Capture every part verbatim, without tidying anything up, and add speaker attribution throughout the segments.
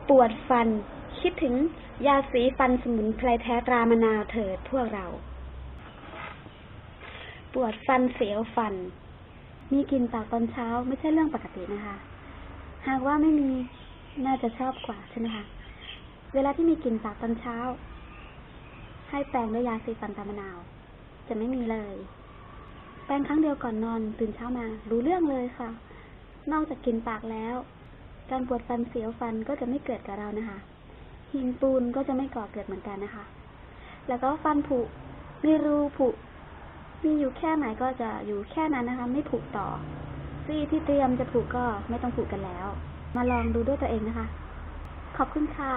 Speaker 1: ปวดฟันคิดถึงยาสีฟันสมุนไพรแท้ตรามะนาวเถิดพวกเราปวดฟันเสียวฟันมีกลิ่นปากตอนเช้าไม่ใช่เรื่องปกตินะคะหากว่าไม่มีน่าจะชอบกว่าใช่ไหมคะเวลาที่มีกลิ่นปากตอนเช้าให้แปรงด้วยยาสีฟันตรามะนาวจะไม่มีเลยแปรงครั้งเดียวก่อนนอนตื่นเช้ามารู้เรื่องเลยค่ะนอกจากกลิ่นปากแล้วการปวดฟันเสียวฟันก็จะไม่เกิดกับเรานะคะหินปูนก็จะไม่ก่อเกิดเหมือนกันนะคะแล้วก็ฟันผุมีรูผุมีอยู่แค่ไหนก็จะอยู่แค่นั้นนะคะไม่ผุต่อซี่ที่เตรียมจะผุก็ไม่ต้องผุกันแล้วมาลองดูด้วยตัวเองนะคะขอบคุณค่ะ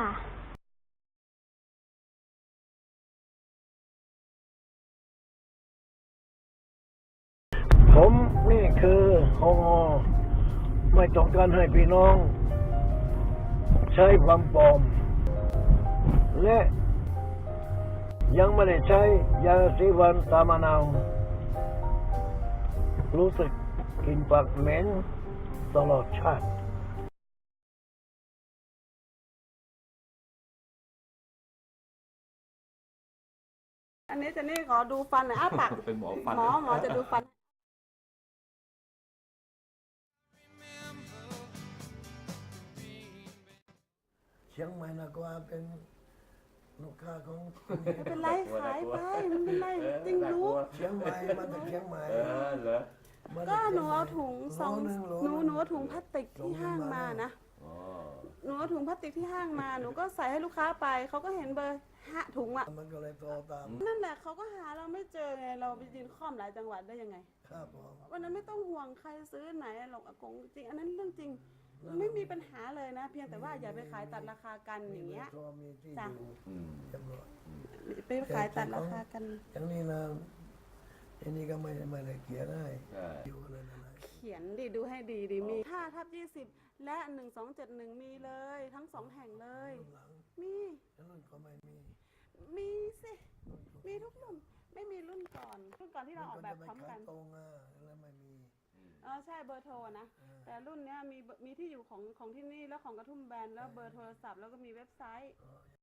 Speaker 2: ผมนี่คือฮงไม่ต้องการให้พี่น้องใช้ความปลอมและยังไม่ได้ใช้ยาสีฟันตามะนาวรู้สึกกินปากเหม็นตลอดชาติ
Speaker 3: อันนี้เจนนี่ขอดูฟันหน่อยอ้าปาก
Speaker 4: เป็นหมอฟัน
Speaker 3: หมอหมอจะดูฟัน
Speaker 2: เชียงใหม่นะก็เป็นลูกค้าของ
Speaker 3: ไม่เป็นไรขายไปมันเป็นไรจริงรู้
Speaker 2: เชียงใหม่มาจากเชียงใหม่
Speaker 4: เออเหรอ
Speaker 3: ก็หนูเอาถุงสองหนูหนูเอาถุงพลาสติกที่ห้างมานะหนูเอาถุงพลาสติกที่ห้างมาหนูก็ใส่ให้ลูกค้าไปเขาก็เห็นเบอร์ห้าถุงอ่ะ
Speaker 2: มันก็เลยโทรตาม
Speaker 3: นั่นแหละเขาก็หาเราไม่เจอไงเราไปยืนค่อมหลายจังหวัดได้ยังไง
Speaker 2: ครับผม
Speaker 3: วันนั้นไม่ต้องห่วงใครซื้อไหนหรอกอากงจริงอันนั้นเรื่องจริงไม่มีปัญหาเลยนะเพียงแต่ว่าอย่าไปขายตัดราคากันอย่างเงี้ย
Speaker 2: มีที่
Speaker 3: จ้ะ
Speaker 2: อยู่
Speaker 4: อืม
Speaker 2: จำนวน
Speaker 3: ไปขายตัดราคากัน
Speaker 2: อย่างนี้นะอันนี้ก็ไม่ไม่ได้เขียนให้
Speaker 4: ใช่
Speaker 2: อยู่เลยนะ
Speaker 3: เขียนดิดูให้ดีดิมีห้าทับยี่สิบและหนึ่งสองเจ็ดหนึ่งมีเลยทั้งสองแห่งเลย
Speaker 2: หลัง
Speaker 3: มี
Speaker 2: แล้วรุ่นก็ไม่มี
Speaker 3: มีสิมีทุกรุ่นไม่มีรุ่นก่อนรุ่นก่อนที่เราออกแบบพร้อมกัน
Speaker 2: ตรงอ่ะแล้วไม่มี
Speaker 3: เออใช่เบอร์โทรนะแต่รุ่นเนี้ยมีมีที่อยู่ของของที่นี่แล้วของกระทุ่มแบนแล้วเบอร์โทรศัพท์แล้วก็มีเว็บไซต์